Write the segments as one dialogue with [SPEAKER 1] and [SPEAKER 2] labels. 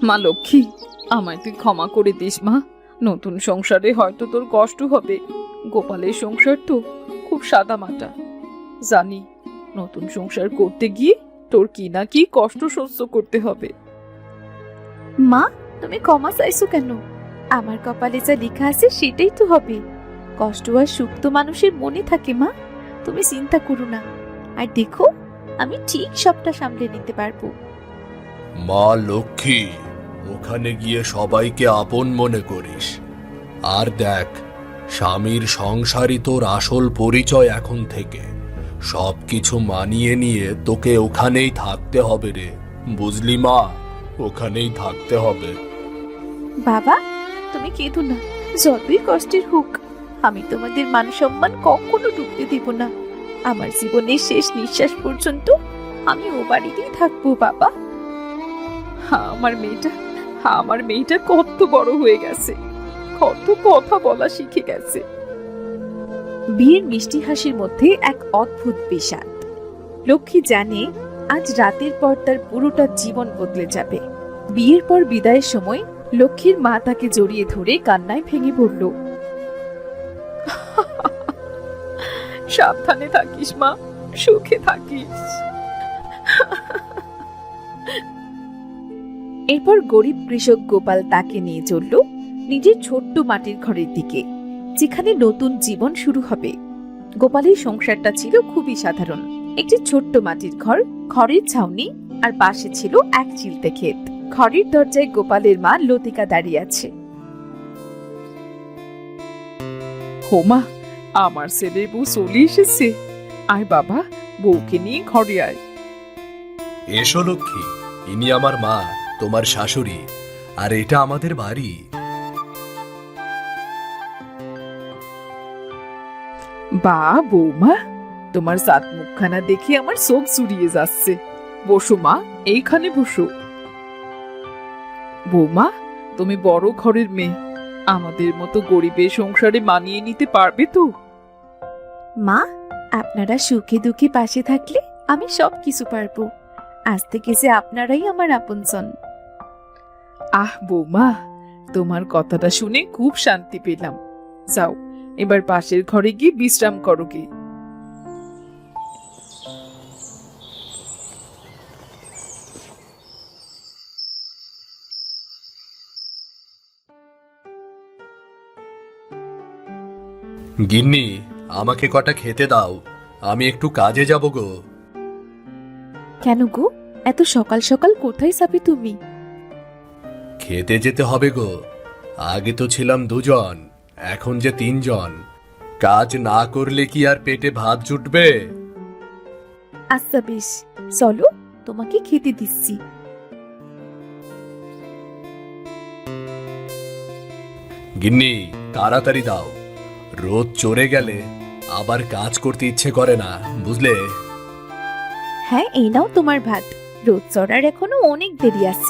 [SPEAKER 1] মা লক্ষ্মী, আমায় তুই ক্ষমা করে দিস মা। নতুন সংসারে হয়তো তোর কষ্ট হবে। গোপালের সংসার তো খুব সাদামাটা। জানি নতুন সংসার করতে গিয়ে তোর কি না কি কষ্ট সহ্য করতে হবে।
[SPEAKER 2] মা, তুমি ক্ষমা চাইছো কেন? আমার কপালে যা লেখা আছে সেটাই তো হবে। কষ্ট আর সুখ তো মানুষের মনে থাকে মা, তুমি চিন্তা করো না। আর দেখো, আমি ঠিক সবটা সামলে নিতে পারবো।
[SPEAKER 3] মা লক্ষ্মী, ওখানে গিয়ে সবাইকে আপন মনে করিস। আর দেখ, স্বামীর সংসারই তোর আসল পরিচয়। এখন থেকে সবকিছু মানিয়ে নিয়ে তোকে ওখানেই থাকতে হবে রে, বুঝলি মা? ওখানেই থাকতে হবে।
[SPEAKER 2] বাবা, তুমি কেঁদো না। যতই কষ্টের হোক, আমি তোমাদের মান সম্মান কখনো ডুবতে দেব না। আমার জীবনের শেষ নিঃশ্বাস পর্যন্ত আমি ও বাড়িতেই থাকবো বাবা।
[SPEAKER 1] আমার মেয়েটা কত বড় হয়ে গেছে, কত কথা বলা শিখে গেছে।
[SPEAKER 2] বিয়ের মিষ্টি হাসির মধ্যে এক অদ্ভুত বিষাদ। লক্ষ্মী জানে আজ রাতের পর তার পুরোটা জীবন বদলে যাবে। বিয়ের পর বিদায়ের সময় লক্ষ্মীর মা তাকে জড়িয়ে ধরে কান্নায় ভেঙে পড়ল।
[SPEAKER 1] সাবধানে থাকিস মা, সুখে থাকিস।
[SPEAKER 2] এরপর গরিব কৃষক গোপাল তাকে নিয়ে চলল নিজের ছোট্ট মাটির ঘরের দিকে, যেখানে নতুন জীবন শুরু হবে। গোপালের সংসারটা ছিল খুবই সাধারণ। একটি ছোট্ট মাটির ঘর, খড়ের ছাউনি, আর পাশে ছিল এক চিলতে ক্ষেত। ঘরের দরজায় গোপালের মা লতিকা দাঁড়িয়ে আছে।
[SPEAKER 1] হোমা, আমার ছেলের বউ চলে এসেছে। আয় বাবা, বউকে নিয়ে ঘরে আয়।
[SPEAKER 3] এসো লক্ষ্মী, ইনি আমার মা, তোমার শাশুড়ি, আর এটা আমাদের বাড়ি।
[SPEAKER 1] বা বৌমা, তোমার জাত মুখখানা দেখে আমার চোখ জুড়িয়ে যাচ্ছে। বসো মা, এইখানে বসো। বৌমা, তুমি বড় ঘরের মেয়ে, আমাদের মতো গরিবের সংসারে মানিয়ে নিতে পারবে তো?
[SPEAKER 2] মা, আপনারা সুখে দুঃখে পাশে থাকলে আমি সব কিছু পারবো। আজ থেকে যে আপনারাই আমার আপনজন।
[SPEAKER 1] আহ বৌমা, তোমার কথাটা শুনে খুব শান্তি পেলাম। যাও, এবার পাশের ঘরে গিয়ে বিশ্রাম করো গে।
[SPEAKER 3] গিন্নি, আমাকে কটা খেতে দাও, আমি একটু কাজে যাব গো।
[SPEAKER 2] কেন গো, এত সকাল সকাল কোথায় যাবে তুমি?
[SPEAKER 3] খেতে যেতে হবে গো। আগে তো ছিলাম দুজন, এখন যে তিনজন। কাজ না করলে কি আর পেটে ভাত জুটবে?
[SPEAKER 2] আচ্ছা বেশ, চলো তোমাকে খেতে দিচ্ছি।
[SPEAKER 3] গিন্নি, তাড়াতাড়ি দাও। রোদ চড়ে গেলে আবার কাজ করতে ইচ্ছে করে না, বুঝলে?
[SPEAKER 2] হ্যাঁ, এই নাও তোমার ভাত। রোদ চড়ার এখনো অনেক দেরি আছে।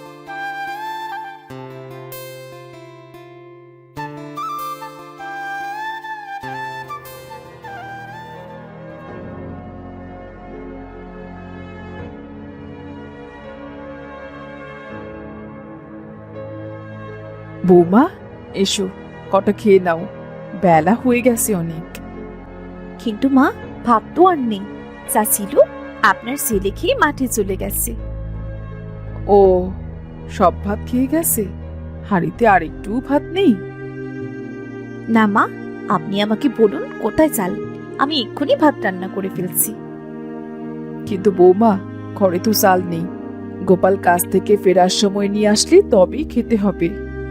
[SPEAKER 1] বৌমা, এসো, কটা খেয়ে নাও, বেলা হয়ে গেছে অনেক।
[SPEAKER 2] কিন্তু মা, ভাত তো আর নেই। যা ছিল আপনার ছেলে খেয়ে মাঠে চলে গেছে।
[SPEAKER 1] ও, সব ভাত খেয়ে গেছে? হাঁড়িতে আর একটু ভাত নেই?
[SPEAKER 2] না মা, আপনি আমাকে বলুন কোথায় চাল, আমি এক্ষুনি ভাত রান্না করে ফেলছি।
[SPEAKER 1] কিন্তু বৌমা, ঘরে তো চাল নেই। গোপাল কাজ থেকে ফেরার সময় নিয়ে আসলে তবেই খেতে হবে।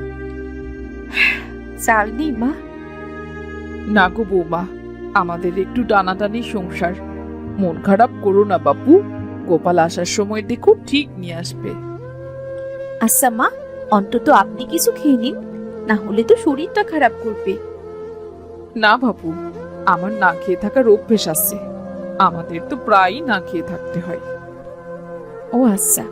[SPEAKER 2] চাল নেই মা?
[SPEAKER 1] না গো বৌমা, আমাদের একটু টানাটানি সংসার। মন খারাপ করো না বাপু, গোপাল আসার সময় দেখো ঠিক নিয়ে আসবে।
[SPEAKER 2] আচ্ছা মা, অন্তত আপনি কিছু খেয়ে নিন, না হলে তো শরীরটা খারাপ করবে।
[SPEAKER 1] না বাপু, আমার না খেয়ে থাকার অভ্যেস আছে। আমাদের তো প্রায়ই না খেয়ে থাকতে হয়।
[SPEAKER 2] ও আচ্ছা।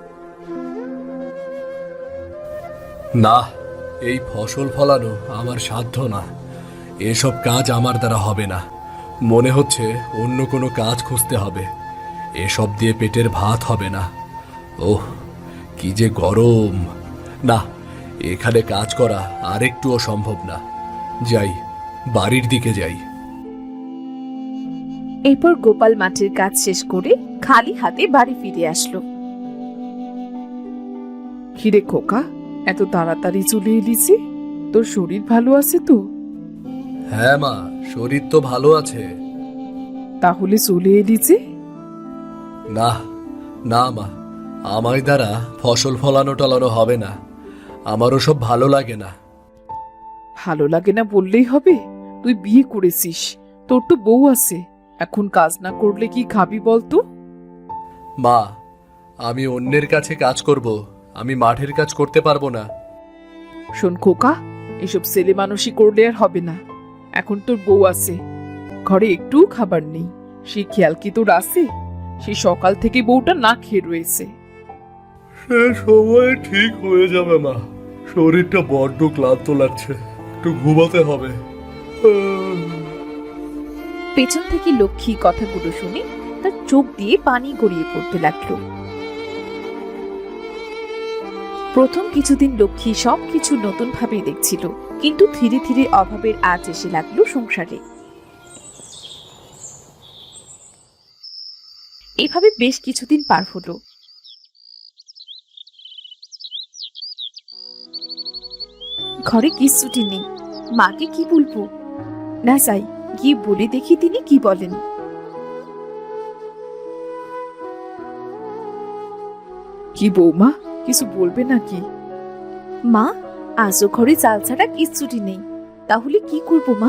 [SPEAKER 3] না, এই ফসল ফলানো আমার সাধ্য না। এসব কাজ আমার দ্বারা হবে না। মনে হচ্ছে অন্য কোনো কাজ খুঁজতে হবে। এসব দিয়ে পেটের ভাত হবে না। ওহ, কি যে গরম! না, এখানে কাজ করা আর একটুও সম্ভব না। যাই, বাড়ির দিকে যাই।
[SPEAKER 2] এরপর গোপাল মাঠের কাজ শেষ করে খালি হাতে বাড়ি ফিরে আসলো।
[SPEAKER 1] কিরে খোকা, এত তাড়াতাড়ি চলে এলি যে? তোর শরীর ভালো আছে তো?
[SPEAKER 3] হ্যাঁ মা, শরীর তো ভালো আছে।
[SPEAKER 1] তাহলে চলে এলি যে?
[SPEAKER 3] না না মা, আমায় দ্বারা ফসল ফলানো টলানো হবে না। আমার ওসব ভালো লাগে না।
[SPEAKER 1] ভালো লাগে না বললেই হবে? তুই বিয়ে করেছিস, তোর তো বউ আছে। এখন কাজ না করলে কি খাবি বলতো?
[SPEAKER 3] মা, আমি অন্যের কাছে কাজ করব, আমি মাঠের কাজ করতে পারবো না।
[SPEAKER 1] শোন খোকা, এসব ছেলে মানুষই করলে আর হবে না। এখন তোর বউ আছে, ঘরে একটু খাবার নেই, সেই খেয়াল কি তোর আছে? সেই সকাল থেকে বউটা না খেয়ে রয়েছে।
[SPEAKER 3] সে সময় ঠিক হয়ে যাবে মা। শরীরটা বড্ড ক্লান্ত লাগছে, একটু ঘুমাতে হবে।
[SPEAKER 2] পেছন থেকে লক্ষ্মী কথাগুলো শুনে তার চোখ দিয়ে পানি গড়িয়ে পড়তে লাগলো। প্রথম কিছুদিন লক্ষ্মী সবকিছু নতুন ভাবেই দেখছিল, কিন্তু ধীরে ধীরে অভাবের আঁচ এসে লাগলো সংসারে। এভাবে বেশ কিছুদিন পার হলো। ঘরে কিচ্ছুটি নেই, মাকে কি বলবো? না যাই, গিয়ে বলে দেখি তিনি কি বলেন।
[SPEAKER 1] কি বৌমা, কিছু বলবে নাকি?
[SPEAKER 2] মা, আজও ঘরে চাল ছাড়া কিচ্ছুটি নেই, তাহলে কি করবো মা?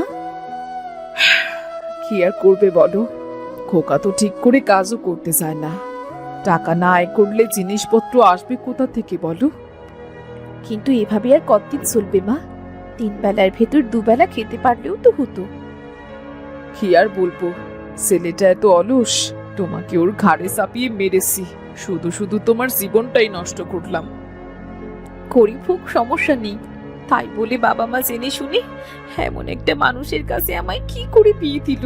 [SPEAKER 1] কি আর করবে বলো, খোকা তো ঠিক করে কাজও করতে চায় না। টাকা না আয় করলে জিনিসপত্র আসবে কোথা থেকে বলো?
[SPEAKER 2] কিন্তু এভাবে আর কতদিন চলবে মা? 3 বেলার ভেতর 2 বেলা খেতে পারলেও তো হতো।
[SPEAKER 1] কি আর বলবো, ছেলেটা এত অলস, তোমাকে ওর ঘাড়ে চাপিয়ে মেরেছি, শুধু শুধু তোমার জীবনটাই নষ্ট করলাম।
[SPEAKER 2] গরিব হোক সমস্যা নেই, তাই বলে বাবা মা জেনে শুনে এমন একটা মানুষের কাছে আমায় কি করে বিয়ে দিল।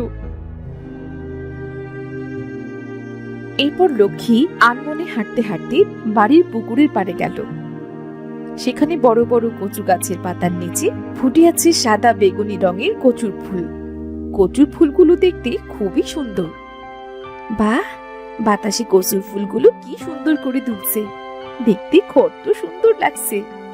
[SPEAKER 2] এরপর লক্ষ্মী আনমনে হাঁটতে হাঁটতে বাড়ির পুকুরের পাড়ে গেল। সেখানে বড় বড় কচু গাছের পাতার নিচে ফুটে আছে সাদা বেগুনি রঙের কচুর ফুল। কচুর ফুলগুলো দেখতে খুবই সুন্দর। বাহ, বাতাসে কচুর ফুলগুলো কি সুন্দর করে দুলছে, দেখতে কত সুন্দর লাগছে।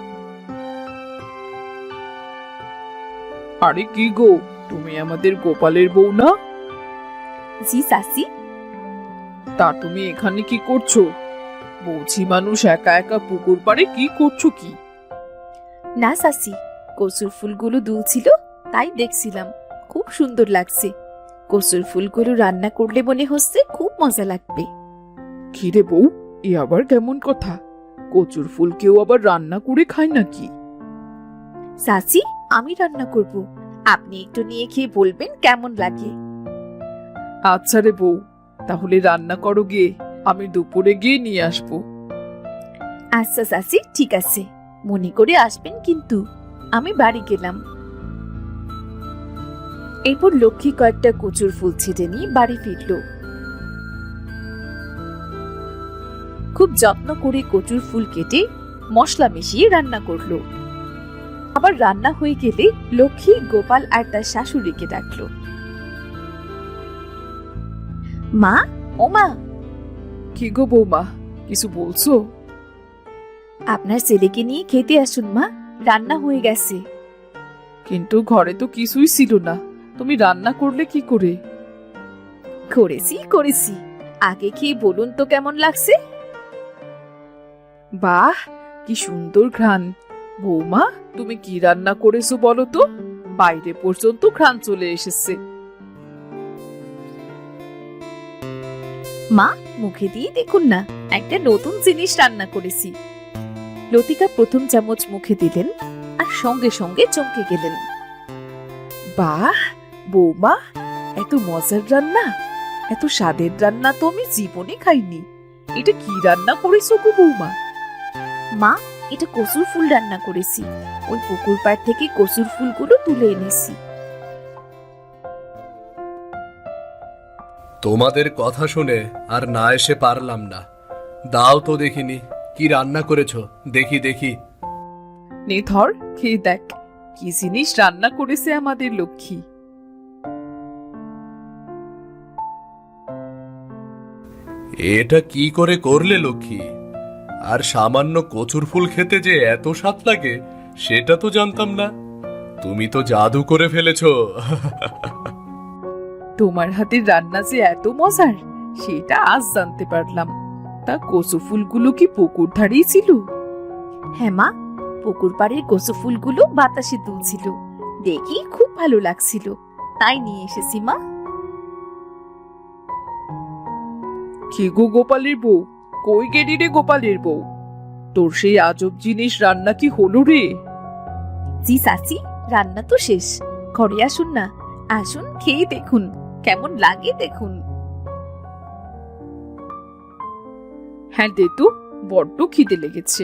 [SPEAKER 1] আরে কি গো, তুমি আমাদের গোপালের বউ না?
[SPEAKER 2] জি চাচি।
[SPEAKER 1] তা তুমি এখানে কি করছো? বৌছি মানুষ একা একা পুকুর পাড়ে কি করছো কি?
[SPEAKER 2] না চাচি, কচুর ফুলগুলো দুলছিল তাই দেখছিলাম, খুব সুন্দর লাগছে। কচুর ফুলগুলো রান্না করলে মনে হচ্ছে খুব মজা লাগবে।
[SPEAKER 1] কিরে বউ, এ আবার কেমন কথা? কচুর ফুল কেউ আবার রান্না করে খায় নাকি?
[SPEAKER 2] চাচি, আমি রান্না করব, আপনি একটু নিয়ে খেয়ে বলবেন কেমন লাগে।
[SPEAKER 1] আচ্ছা রে বউ, তাহলে রান্না করো গিয়ে, আমি দুপুরে গিয়ে নিয়ে আসবো।
[SPEAKER 2] আচ্ছা চাচি, ঠিক আছে, মনে করে আসবেন কিন্তু। আমি বাড়ি গেলাম। এরপর লক্ষ্মী কয়েকটা কচুর ফুল ছিঁড়ে নিয়ে বাড়ি ফিরল। খুব যত্ন করে কচুর ফুল কেটে মশলা মিশিয়ে রান্না করলো। আবার রান্না হয়ে গেলে লক্ষ্মী গোপাল আর তার শাশুড়িকে ডাকলো। মা, ও মা,
[SPEAKER 1] কি গো বৌমা, কিছু বলছো?
[SPEAKER 2] আপনার ছেলেকে নিয়ে খেতে আসুন মা, রান্না হয়ে গেছে।
[SPEAKER 1] কিন্তু ঘরে তো কিছুই ছিল না, তুমি রান্না করলে কি করে?
[SPEAKER 2] করেছি, আগে খেয়ে বলুন তো কেমন লাগছে।
[SPEAKER 1] বাহ, কি সুন্দর ঘ্রাণ! বৌমা, তুমি কি রান্না করেছো বলো তো? বাইরে পর্যন্ত ঘ্রাণ চলে এসেছে।
[SPEAKER 2] মা, মুখে দিয়ে দেখুন না, একটা নতুন জিনিস রান্না করেছি। লতিকা প্রথম চামচ মুখে দিলেন আর সঙ্গে সঙ্গে চমকে গেলেন।
[SPEAKER 1] বাহ বৌমা, এত মজার রান্না, এত স্বাদের রান্না তো আমি জীবনে খাইনি। এটা কি রান্না করেছো গো বৌমা?
[SPEAKER 2] মা, এটা কচুর ফুল রান্না করেছি, ওই পুকুর পাড় থেকে কচুর ফুলগুলো তুলে এনেছি।
[SPEAKER 3] তোমাদের কথা শুনে আর না এসে পারলাম না। দাও তো দেখিনি, কি রান্না করেছো? দেখি দেখি।
[SPEAKER 1] নে ধর, খেয়ে দেখ কি জিনিস রান্না করেছে আমাদের লক্ষ্মী।
[SPEAKER 3] এটা কি করে করলে লক্ষ্মী? আর সামান্য কচুর ফুল খেতে যে এত স্বাদ লাগে সেটা তো জানতাম না। তুমি তো জাদু করে ফেলেছো।
[SPEAKER 1] তোমার হাতের রান্না যে এত মজার সেটা আজ জানতে পারলাম। তা কচু ফুলগুলো কি পুকুর ধারেই ছিল?
[SPEAKER 2] হ্যাঁ মা, পুকুর পাড়ের কচু ফুলগুলো বাতাসে দুলছিল, দেখি খুব ভালো লাগছিল, তাই নিয়ে এসেছি মা।
[SPEAKER 1] কি গো গোপালের বউ, কই গেলি রে গোপালের বউ? তোর সেই আজব জিনিস রান্না কি হলো রে?
[SPEAKER 2] জি চাচি, রান্না তো শেষ। ঘরে আসুন না, আসুন খেয়ে দেখুন কেমন লাগে দেখুন।
[SPEAKER 1] হ্যাঁ দে তো, বড্ড খিদে লেগেছে।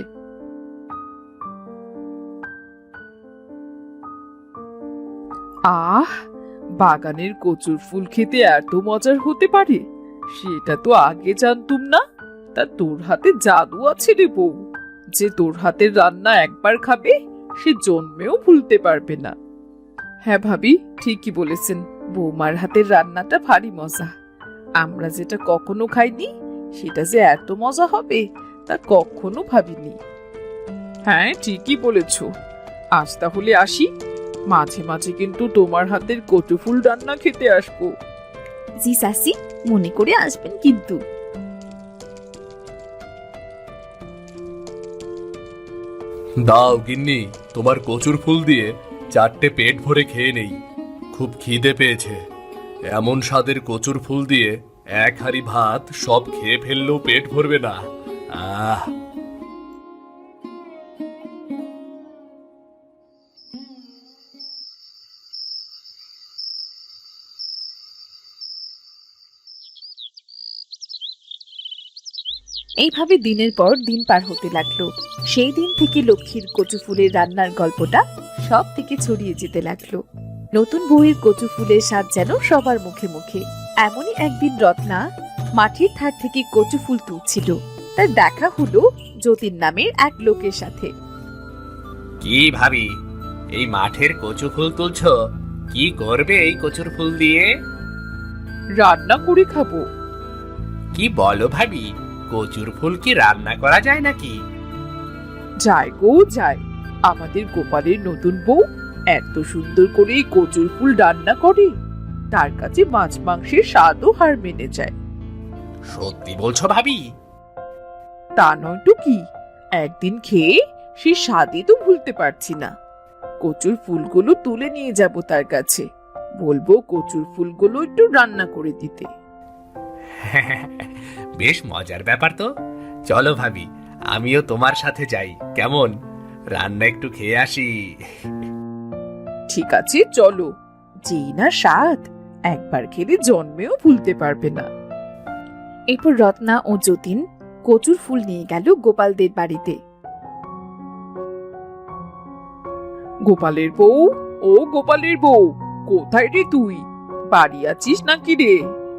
[SPEAKER 1] আহ, বাগানের কচুর ফুল খেতে এত মজার হতে পারে সেটা তো আগে জানতুম না। তা তোর হাতে জাদু আছে রে বউ, যে তোর হাতের রান্না একবার খাবে সে জন্মেও ভুলতে পারবে না। হ্যাঁ ভাবি, ঠিকই বলেছেন, বৌমার হাতের রান্নাটা ভারী মজা। আমরা যেটা কখনো খাইনি সেটা যে এত মজা হবে তা কখনো ভাবিনি। হ্যাঁ ঠিকই বলেছ, আজ তাহলে আসি। মাঝে মাঝে কিন্তু তোমার হাতের কচু ফুল রান্না খেতে আসবো।
[SPEAKER 2] জি চাচি, মনে করে আসবেন কিন্তু।
[SPEAKER 3] দাও গিন্নি, তোমার কচুর ফুল দিয়ে 4টে পেট ভরে খেয়ে নেই, খুব খিদে পেয়েছে। এমন স্বাদের কচুর ফুল দিয়ে 1 হাঁড়ি ভাত সব খেয়ে ফেললেও পেট ভরবে না। আহ,
[SPEAKER 2] এইভাবে দিনের পর দিন পার হতে লাগলো। সেই দিন থেকে লক্ষ্মীর কচু ফুলের রান্নার গল্পটা সব থেকে ছড়িয়ে যেতে লাগলো। নতুন বউয়ের কচু ফুলের স্বাদ যেন সবার মুখে মুখে। এমনই একদিন রত্না মাটির ধার থেকে কচু ফুল তুলছিল। তার দেখা হলো যতীন নামের এক লোকের সাথে।
[SPEAKER 4] কি ভাবি, এই মাঠের কচু ফুল তুলছ? কি করবে এই কচুর ফুল দিয়ে?
[SPEAKER 1] রান্না করে খাবো।
[SPEAKER 4] কি বলো ভাবি, কচুর ফুল কি রান্না করা যায় নাকি?
[SPEAKER 1] যায় গো যায়, আমাদের গোপালের নতুন বউ এত সুন্দর করে এই কচুর ফুল রান্না করে, তার কাছে মাছ মাংসের স্বাদও হার মেনে যায়।
[SPEAKER 4] সত্যি বলছো ভাবি?
[SPEAKER 1] তা নয় তো কি, একদিন খেয়ে সে স্বাদই তো ভুলতে পারছি না। কচুর ফুলগুলো তুলে নিয়ে যাব তার কাছে, বলবো কচুর ফুলগুলো একটু রান্না করে দিতে।
[SPEAKER 4] বেশ মজার ব্যাপার তো। চলো ভাবি, আমিও তোমার সাথে যাই, কেমন? রান্না একটু খেয়ে আসি।
[SPEAKER 1] ঠিক আছে চলো, যেই না স্বাদ, একবার খেলে জন্মেও ভুলতে পারবে না।
[SPEAKER 2] এরপর রত্না ও যতীন কচুর ফুল নিয়ে গেল গোপালদের বাড়িতে।
[SPEAKER 1] গোপালের বউ, ও গোপালের বউ, কোথায় রে তুই? বাড়ি আছিস নাকি রে?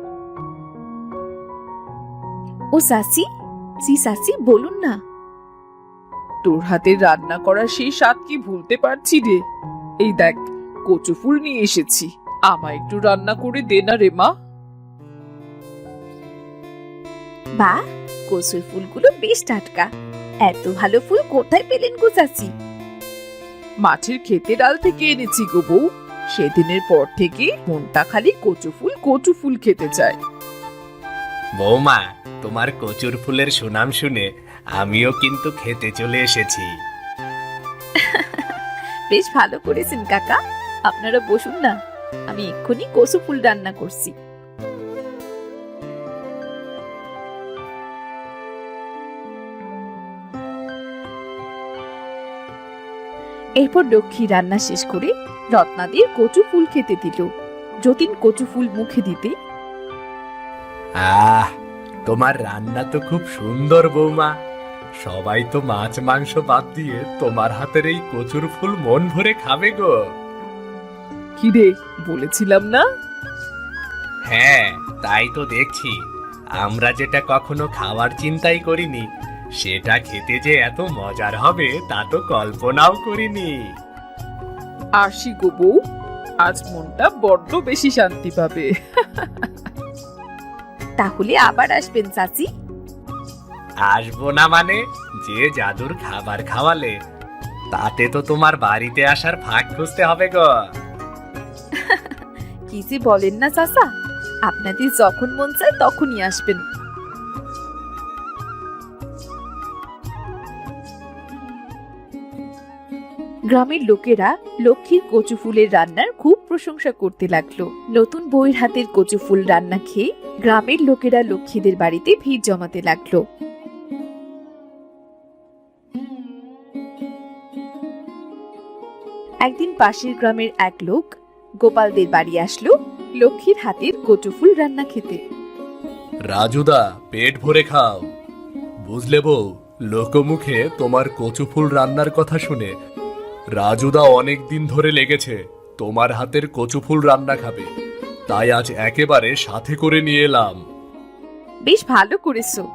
[SPEAKER 2] ও চাচি, জি চাচি বলুন না।
[SPEAKER 1] তোর হাতের রান্না করা সেই স্বাদ কি ভুলতে পারছি রে? এই দেখ, কচু ফুল নিয়ে এসেছি, আমায় একটু রান্না করে দে না রে মা।
[SPEAKER 2] বা, কচুর ফুলগুলো বেশ টাটকা। এত ভালো ফুল কোথায় পেলেন গো চাচি?
[SPEAKER 1] মাঠের ক্ষেতে ডাল থেকে এনেছি গো বউ। সেদিনের পর থেকে মনটা খালি কচু ফুল খেতে চায়।
[SPEAKER 4] বৌমা, তোমার কচুর ফুলের সুনাম শুনে আমিও কিন্তু খেতে চলে এসেছি।
[SPEAKER 2] বেশ ভালো করেছেন কাকা, আপনারা বসুন না, আমি এক্ষুনি কচু ফুল রান্না করছি। এরপর লক্ষ্মী রান্না শেষ করে রত্নাদের কচু ফুল খেতে দিল। যতীন কচু ফুল মুখে দিতে,
[SPEAKER 4] আহ, তোমার রান্না তো খুব সুন্দর বৌমা। সবাই তো মাছ মাংস বাদ দিয়ে তোমার হাতের এই কচুর ফুল মন ভরে খাবে গো।
[SPEAKER 1] কি রে, বলেছিলাম না?
[SPEAKER 4] হ্যাঁ, তাই তো দেখছি। আমরা যেটা কখনো খাওয়ার চিন্তাই করিনি সেটা খেতে যে এত মজার হবে তা তো কল্পনাও করিনি।
[SPEAKER 1] আসি গো বউ, আজ মনটা বড্ড বেশি শান্তি পাবে।
[SPEAKER 2] তাহলে আবার আসবেন চাচি।
[SPEAKER 4] আসবো না মানে, যে জাদুর খাবার খাওয়ালে তাতে তো তোমার বাড়িতে আসার ফাঁক খুঁজতে হবে গো।
[SPEAKER 2] কি যে বলেন না চাচা, আপনাদের যখন মন চায় তখনই আসবেন। গ্রামের লোকেরা লক্ষ্মীর কচু ফুলের রান্নার খুব প্রশংসা করতে লাগলো। নতুন বউয়ের হাতের কচু ফুল রান্না খেয়ে গ্রামের লোকেরা লক্ষ্মীদের বাড়িতে ভিড় জমাতে লাগলো। একদিন পাশের গ্রামের এক লোক গোপালদের বাড়ি আসলো লক্ষ্মীর হাতের কচু ফুল রান্না খেতে।
[SPEAKER 3] রাজুদা, পেট ভরে খাও। বুঝলে বউ, লোকমুখে তোমার কচু ফুল রান্নার কথা শুনে রাজুদা অনেক দিন ধরে লেগেছে তোমার হাতের কচু ফুল রান্না খাবে, তাই আজ একেবারে সাথে করে নিয়ে এলাম।
[SPEAKER 2] বেশ ভালো করেছো।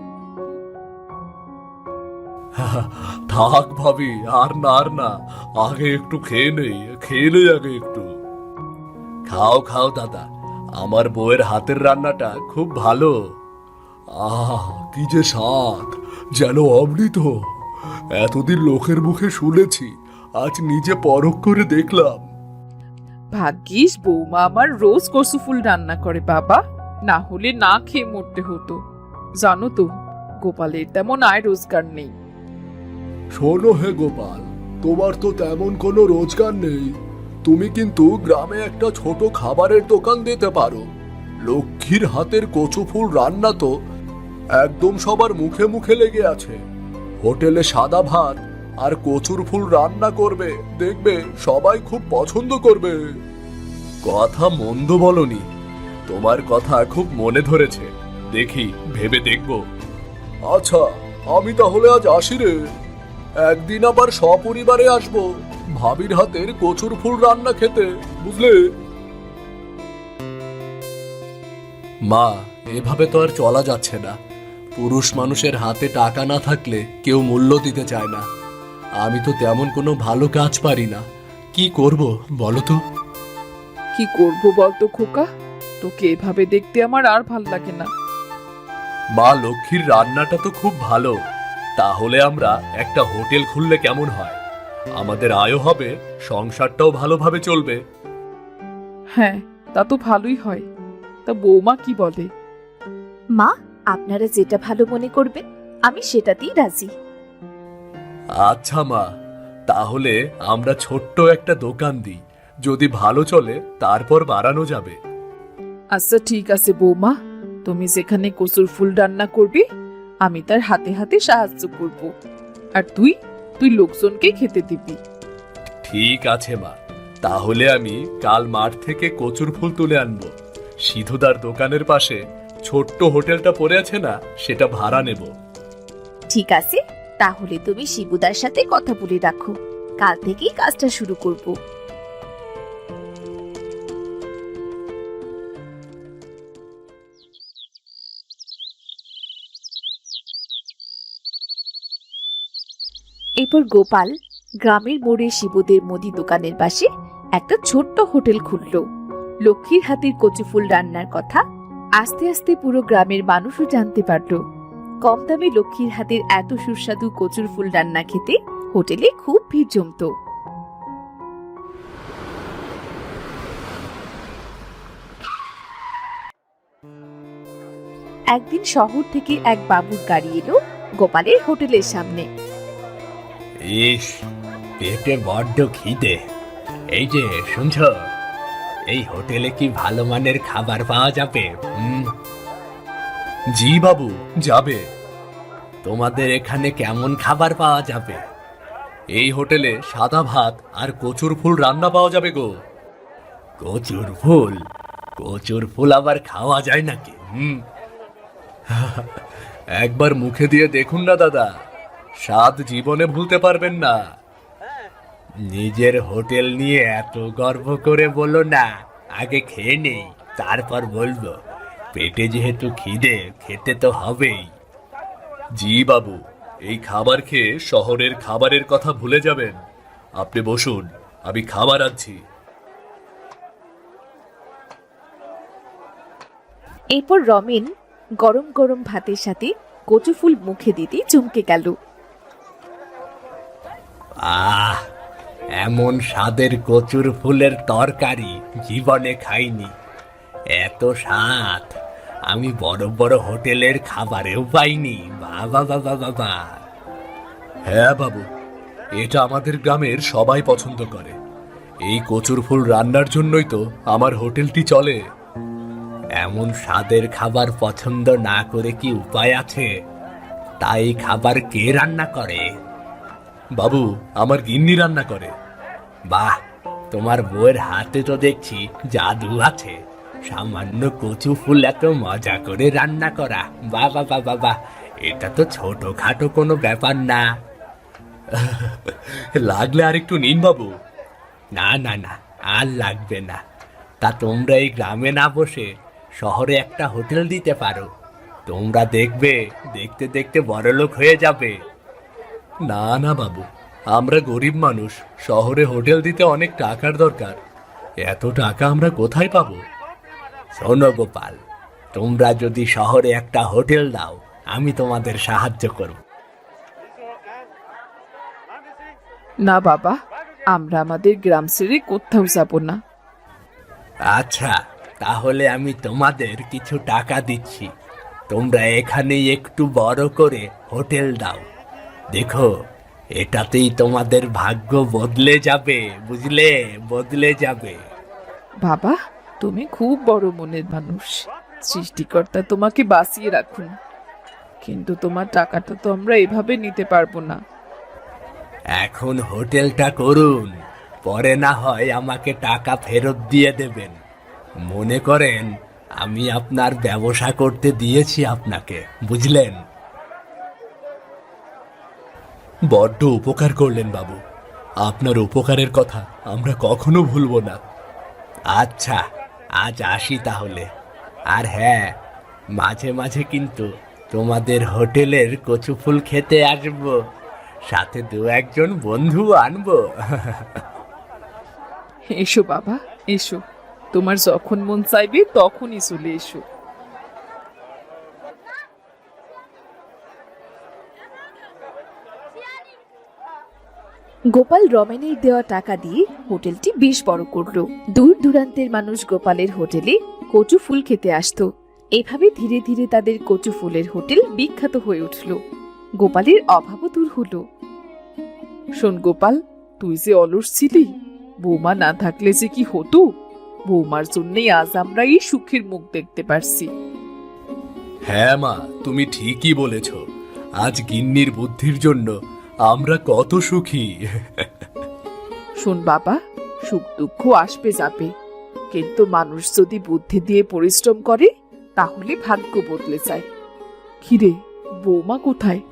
[SPEAKER 3] থাক ভাবি, আর না, আগে একটু খেয়ে নেই আগে একটু। খাও খাও দাদা, আমার বউয়ের হাতের রান্নাটা খুব ভালো। কি যে স্বাদ, যেন অমৃত। এতদিন লোকের মুখে শুনেছি, আজ নিজে পরখ করে দেখলাম।
[SPEAKER 1] ভাগ্যিস বৌমা আমার রোজ কচু ফুল রান্না করে বাবা, না হলে না খেয়ে মরতে হতো। জানো তো, গোপালের তেমন আয় রোজগার নেই।
[SPEAKER 3] শোনো হে গোপাল, তোমার তো তেমন কোনো রোজগার নেই, তুমি কিন্তু গ্রামে একটা ছোট খাবারের দোকান দিতে পারো। লক্ষ্মীর হাতের কচু ফুল রান্না তো একদম সবার মুখে মুখে লেগে আছে। হোটেলে সাদা ভাত আর কচুর ফুল রান্না করবে, দেখবে সবাই খুব পছন্দ করবে। কথা মন্দ বলনি, তোমার কথা খুব মনে ধরেছে, দেখি ভেবে দেখব। আচ্ছা, আমি তাহলে আজ আসি রে। একদিন আবার সপরিবারে আসবো ভাবির হাতের কচুর ফুল রান্না খেতে, বুঝলে? মা, এভাবে তো আর চলা যাচ্ছে না। পুরুষ মানুষের হাতে টাকা না থাকলে কেউ মূল্য দিতে চায় না। আমি তো তেমন কোনো ভালো কাজ পারি না, কি করব বলো তো?
[SPEAKER 1] কি করবো বলতো খোকা, তোকে এভাবে দেখতে আমার আর ভাল লাগে না।
[SPEAKER 3] মা লক্ষ্মীর রান্নাটা তো খুব ভালো, তাহলে আমরা একটা হোটেল খুললে কেমন হয়? আমাদের আয়ও হবে, সংসারটাও ভালোভাবে চলবে।
[SPEAKER 1] হ্যাঁ, তা তো ভালোই হয়। তা বৌমা কি বলে?
[SPEAKER 2] মা, আপনারা যেটা ভালো মনে করবেন আমি সেটাতেই রাজি।
[SPEAKER 3] আচ্ছা মা, তাহলে আমরা ছোট্ট একটা দোকান দিই, যদি ভালো চলে তারপর বাড়ানো যাবে।
[SPEAKER 1] আচ্ছা ঠিক আছে বৌমা, তুমি যেখানে কচুর ফুল রান্না করবে আমি তার হাতে হাতে সাহায্য করব, আর তুই লোকজনকে খেতে দিবি।
[SPEAKER 3] ঠিক আছে মা, তাহলে আমি কাল মাঠ থেকে কচুর ফুল তুলে আনবো। সিধুদার দোকানের পাশে ছোট্ট হোটেলটা পড়ে আছে না, সেটা ভাড়া নেব।
[SPEAKER 2] ঠিক আছে, তাহলে তুমি শিবুদার সাথে কথা বলে রাখো, কাল থেকেই কাজটা শুরু করব। এরপর গোপাল গ্রামের মোড়ে শিবুদের মুদি দোকানের পাশে একটা ছোট্ট হোটেল খুলল। লক্ষ্মীর হাতের কচু ফুল রান্নার কথা আস্তে আস্তে পুরো গ্রামের মানুষও জানতে পারল। কম দামে লক্ষ্মীর হাতের এত সুস্বাদু কচুর ফুল রান্না খেতে হোটেলে খুব ভিড় জমতো। একদিন শহর থেকে এক বাবুর গাড়ি এলো গোপালের হোটেলের সামনে।
[SPEAKER 4] ইস, পেটে বড্ড খিদে। এই যে শুনছ, এই হোটেলে কি ভালো মানের খাবার পাওয়া যাবে?
[SPEAKER 3] জি বাবু, যাবে।
[SPEAKER 4] তোমাদের এখানে কেমন খাবার পাওয়া যাবে?
[SPEAKER 3] এই হোটেলে সাদা ভাত আর কচুর ফুল রান্না পাওয়া যাবে গো।
[SPEAKER 4] কচুর ফুল? কচুর ফুল আবার খাওয়া যায় নাকি?
[SPEAKER 3] একবার মুখে দিয়ে দেখুন না দাদা, স্বাদ জীবনে ভুলতে পারবেন না।
[SPEAKER 4] নিজের হোটেল নিয়ে এত গর্ব করে বলো না, আগে খেয়ে নেই তারপর বলবো। পেটে যেহেতু খিদে, খেতে তো হবেই।
[SPEAKER 3] জি বাবু, এই খাবার খেয়ে শহরের খাবারের কথা ভুলে যাবেন। আপনি বসুন, আমি খাবার আনছি।
[SPEAKER 2] এরপর রমেন গরম গরম ভাতের সাথে কচু ফুল মুখে দিতে চমকে গেল।
[SPEAKER 4] আহ, এমন স্বাদের কচুর ফুলের তরকারি জীবনে খাইনি। এত স্বাদ আমি বড় বড় হোটেলের খাবারেও পাইনি। বাবা বাবা বাবা।
[SPEAKER 3] হ্যাঁ বাবু, এটা আমাদের গ্রামের সবাই পছন্দ করে। এই কচুর ফুল রান্নার জন্যই তো আমার হোটেলটি চলে।
[SPEAKER 4] এমন স্বাদের খাবার পছন্দ না করে কি উপায় আছে? তাই খাবার কে রান্না করে?
[SPEAKER 3] বাবু, আমার গিন্নি রান্না করে।
[SPEAKER 4] বাহ, তোমার বউয়ের হাতে তো দেখছি জাদু আছে। সামান্য কচু ফুল এত মজা করে রান্না করা, বাবা বাবা বাবা, এটা তো ছোটখাটো কোনো ব্যাপার না।
[SPEAKER 3] লাগলে আর একটু নিন বাবু।
[SPEAKER 4] না না না, আর লাগবে না। তা তোমরা এই গ্রামে না বসে শহরে একটা হোটেল দিতে পারো। তোমরা দেখবে দেখতে দেখতে বড়লোক হয়ে যাবে।
[SPEAKER 3] না না বাবু, আমরা গরিব মানুষ, শহরে হোটেল দিতে অনেক টাকার দরকার। এত টাকা আমরা কোথায় পাবো?
[SPEAKER 4] শোনো গোপাল, তোমরা যদি শহরে একটা হোটেল দাও, আমি তোমাদের সাহায্য করব।
[SPEAKER 1] না বাবা, আমরা আমাদের গ্রাম ছেড়ে কোথাও যাব না।
[SPEAKER 4] আচ্ছা, তাহলে আমি তোমাদের কিছু টাকা দিচ্ছি। তোমরা এখানেই একটু বড় করে হোটেল দাও। দেখো, এটাতেই তোমাদের ভাগ্য বদলে যাবে, বুঝলে? বদলে যাবে।
[SPEAKER 1] বাবা, তুমি খুব বড় মনের মানুষ। সৃষ্টিকর্তা তোমাকে বাঁচিয়ে রাখুন। কিন্তু তোমার টাকাটা তো আমরা এভাবে নিতে পারবো না।
[SPEAKER 4] এখন হোটেলটা করুন, পরে না হয় আমাকে টাকা ফেরত দিয়ে দেবেন। মনে করেন আমি আপনার ব্যবসা করতে দিয়েছি আপনাকে, বুঝলেন?
[SPEAKER 3] বড্ড উপকার করলেন বাবু। আপনার উপকারের কথা আমরা কখনো ভুলবো না।
[SPEAKER 4] আচ্ছা, আজ আসি তাহলে। আর হ্যাঁ, মাঝে মাঝে কিন্তু তোমাদের হোটেলের কচু ফুল খেতে আসবো, সাথে দু একজন বন্ধু আনবো।
[SPEAKER 1] এসো বাবা, এসো। তোমার যখন মন চাইবে তখনই চলে এসো।
[SPEAKER 2] গোপাল রমেনের দেওয়া টাকা দিয়ে হোটেলটি বেশ বড় করলো। দূর দূরান্তের মানুষ গোপালের হোটেলে কচু ফুল খেতে আসতো। এভাবে ধীরে ধীরে তাদের কচু ফুলের হোটেল বিখ্যাত হয়ে উঠল। গোপালের অভাবও দূর হলো।
[SPEAKER 1] শোন গোপাল, তুই যে অলস ছিলি, বৌমা না থাকলে যে কি হতো। বৌমার জন্যই আজ আমরা এই সুখের মুখ দেখতে পারছি।
[SPEAKER 3] হ্যাঁ মা, তুমি ঠিকই বলেছ। আজ গিন্নির বুদ্ধির জন্য আমরা কত সুখী।
[SPEAKER 1] শোন বাবা, সুখ দুঃখ আসবে যাবে, কিন্তু মানুষ যদি বুদ্ধি দিয়ে পরিশ্রম করে তাহলে ভাগ্য বদলে যায়। কিরে, বৌমা কোথায়?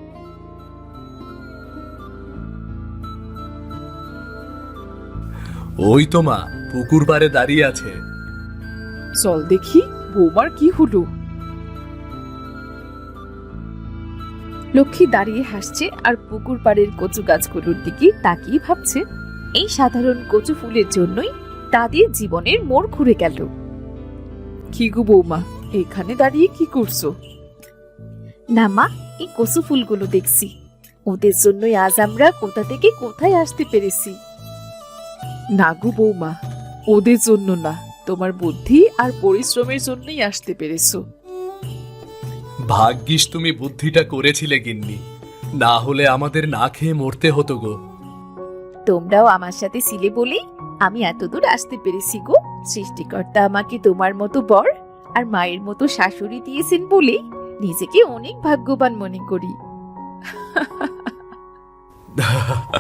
[SPEAKER 3] ওই তো মা, পুকুর পাড়ে দাঁড়িয়ে আছে।
[SPEAKER 1] চল দেখি বৌমার কি হলো।
[SPEAKER 2] লক্ষ্মী দাঁড়িয়ে হাসছে আর পুকুর পাড়ের কচু গাছগুলোর দিকে তাকিয়ে ভাবছে, এই সাধারণ কচু ফুলের জন্যই তাদের জীবনের মোড় ঘুরে গেল।
[SPEAKER 1] কি গো বৌমা, এখানে দাঁড়িয়ে কি করছো?
[SPEAKER 2] না মা, এই কচু ফুলগুলো দেখছি, ওদের জন্যই আজ আমরা কোথা থেকে কোথায় আসতে পেরেছি।
[SPEAKER 1] না গো বৌমা, ওদের জন্য না, তোমার বুদ্ধি আর পরিশ্রমের জন্যই আসতে পেরেছো।
[SPEAKER 3] ভাগ্যিস তুমি বুদ্ধিটা করেছিলে গিন্নি, না হলে আমাদের না খেয়ে মরতে হতো গো।
[SPEAKER 2] তোমরাও আমার সাথে ছিলে বলেই আমি এতদূর আসতে পেরেছি গো। সৃষ্টিকর্তা আমাকে তোমার মতো বর আর মায়ের মতো শাশুড়ি দিয়েছেন বলেই নিজেকে অনেক ভাগ্যবান মনে করি।